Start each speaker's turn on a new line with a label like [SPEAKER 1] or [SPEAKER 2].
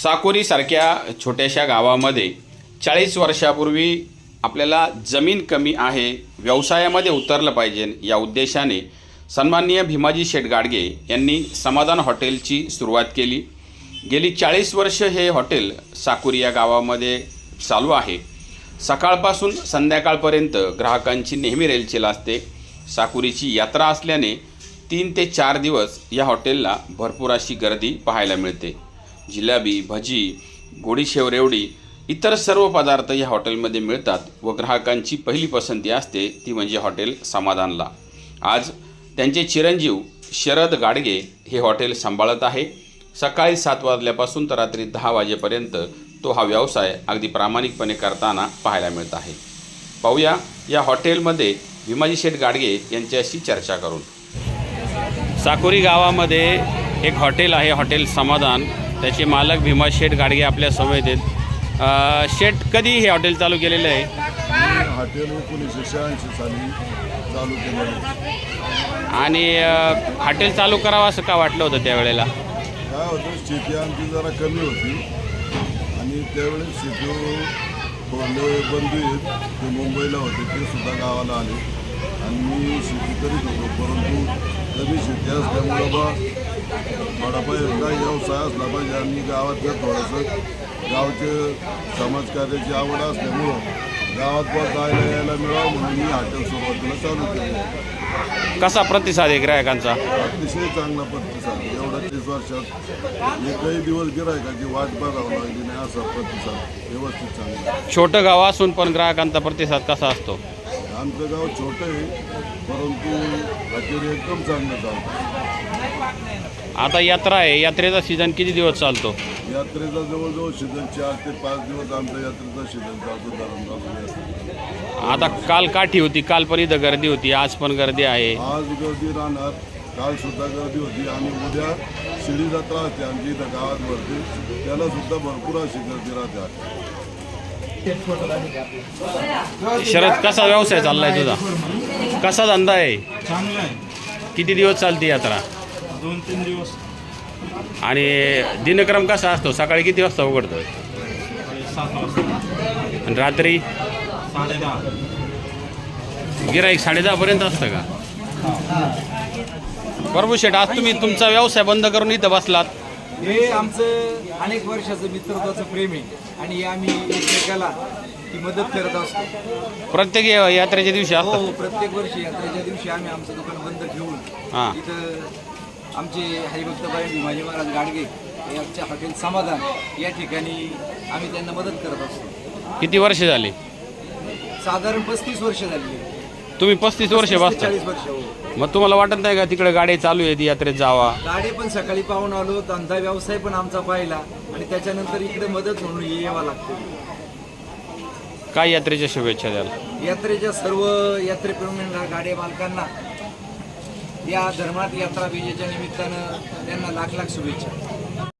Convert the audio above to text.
[SPEAKER 1] साकोरीसारख्या छोट्याशा गावामध्ये 40 वर्षापूर्वी आपल्याला जमीन कमी आहे, व्यवसायामध्ये उतरलं पाहिजे या उद्देशाने सन्माननीय भीमाजी शेठ गाडगे यांनी समाधान हॉटेलची सुरुवात केली। गेली 40 वर्ष हे हॉटेल साकोरी या गावामध्ये चालू आहे। सकाळपासून संध्याकाळपर्यंत ग्राहकांची नेहमी रेलचेल असते। साकोरीची यात्रा असल्याने 3 ते 4 दिवस या हॉटेलला भरपूर अशी गर्दी पाहायला मिळते। जिलेबी, भजी, गोडी शेव, रेवडी इतर सर्व पदार्थ या हॉटेलमध्ये मिळतात व ग्राहकांची पहिली पसंती असते ती म्हणजे हॉटेल समाधानला। आज त्यांचे चिरंजीव शरद गाडगे हे हॉटेल सांभाळत आहे। सकाळी 7 वाजल्यापासून तर रात्री 10 वाजेपर्यंत तो हा व्यवसाय अगदी प्रामाणिकपणे करताना पाहायला मिळत आहे। पाहूया या हॉटेलमध्ये भीमाजी शेठ गाडगे यांच्याशी चर्चा करून। साकोरी गावामध्ये एक हॉटेल आहे, हॉटेल समाधान। त्याचे मालक भीमा शेठ गाडगे आपल्या समवेत आहेत। शेठ, कधी हे हॉटेल चालू केलेलं आहे?
[SPEAKER 2] हॉटेल 1986 साली चालू केलेलं आहे।
[SPEAKER 1] आणि हॉटेल चालू करावं असं का वाटलं होतं त्यावेळेला?
[SPEAKER 2] काय होतं, शेती आमची जरा कमी होती आणि त्यावेळेस शेती थोडे बंधू आहेत ते मुंबईला होते, ते सुद्धा गावाला आले आणि मी शेती करीत होतो। परंतु कमी शेती असल्यामुळं बा थोडाफार काही व्यवसाय असला पाहिजे आणि गावातलं थोडंसं गावचे समाजकार्याची आवड असल्यामुळं गावात पण जायला यायला मिळावं म्हणून मी हॉटेल सुरुवातीला चालू केलं।
[SPEAKER 1] कसा प्रतिसाद आहे ग्राहकांचा?
[SPEAKER 2] अतिशय चांगला प्रतिसाद। एवढ्या 30 वर्षात एकही दिवस गिरायकाची वाट बघावं लागली नाही असा प्रतिसाद व्यवस्थित चांगला।
[SPEAKER 1] छोटं गाव असून पण ग्राहकांचा प्रतिसाद कसा असतो?
[SPEAKER 2] आमचं गाव छोटं आहे परंतु हॉटेल एकदम चांगलं चालतं।
[SPEAKER 1] आता यात्रा आहे, यात्रेचा सीझन किती दिवस चालतो?
[SPEAKER 2] यात्रेचा जवळजवळ सीझन 4 ते 5 दिवस आमच्या यात्रेचा सीझन चालतो धरणगाव।
[SPEAKER 1] आता काल काठी होती, काल पण इथं गर्दी होती, आज पण गर्दी आहे।
[SPEAKER 2] आज गर्दी राहणार, काल सुद्धा गर्दी होती आणि उद्या शिडी जत्रा असते आमची इथं गावात भरते, त्याला सुद्धा भरपूर अशी गर्दी राहते।
[SPEAKER 1] शरद, कसा व्यवसाय चाललाय तुझा? कसा धंदा आहे?
[SPEAKER 3] चांगला आहे।
[SPEAKER 1] किती दिवस चालते यात्रा?
[SPEAKER 3] 2-3 दिवस।
[SPEAKER 1] आणि दिनक्रम कसा असतो? सकाळी किती वाजता उघडतं
[SPEAKER 3] 7 वाजता
[SPEAKER 1] आणि रात्री
[SPEAKER 3] 10:30।
[SPEAKER 1] गिराईक 10:30 पर्यंत असतं का? प्रभू शेठ, आज तुम्ही तुमचा व्यवसाय बंद करून इथं बसलात?
[SPEAKER 4] हे आमचं अनेक वर्षाचं मित्रत्वाचं प्रेम आहे आणि आम्ही एकमेकाला ती मदत करत असतो।
[SPEAKER 1] प्रत्येक यात्रेच्या दिवशी असतं?
[SPEAKER 4] हो, प्रत्येक वर्षी यात्रेच्या दिवशी आम्ही आमचं दुकान बंद ठेवून
[SPEAKER 1] हां
[SPEAKER 4] इथं आमचे हरिभक्तबाई भीमाजी महाराज गाडगे यांच्या हॉटेल समाधान या ठिकाणी आम्ही त्यांना मदत करत असतो।
[SPEAKER 1] किती वर्ष झाली?
[SPEAKER 4] साधारण 35 वर्ष झाली।
[SPEAKER 1] तुम्ही 35 वर्ष बसता?
[SPEAKER 4] 40 वर्ष। हो।
[SPEAKER 1] मग तुम्हाला वाटत नाही का तिकडे गाडी चालू आहे, ती यात्रेत जावा?
[SPEAKER 4] गाडी पण सकाळी पाहून आलो, धंदा व्यवसाय पण आमचा पाहिला आणि त्याच्यानंतर इकडे मदत म्हणून यावं लागतं।
[SPEAKER 1] काय यात्रेच्या शुभेच्छा द्याल?
[SPEAKER 4] यात्रेच्या सर्व यात्रेप्रेमींना, गाडी मालकांना या धर्मात यात्रा विजेच्या निमित्तानं त्यांना लाख लाख शुभेच्छा।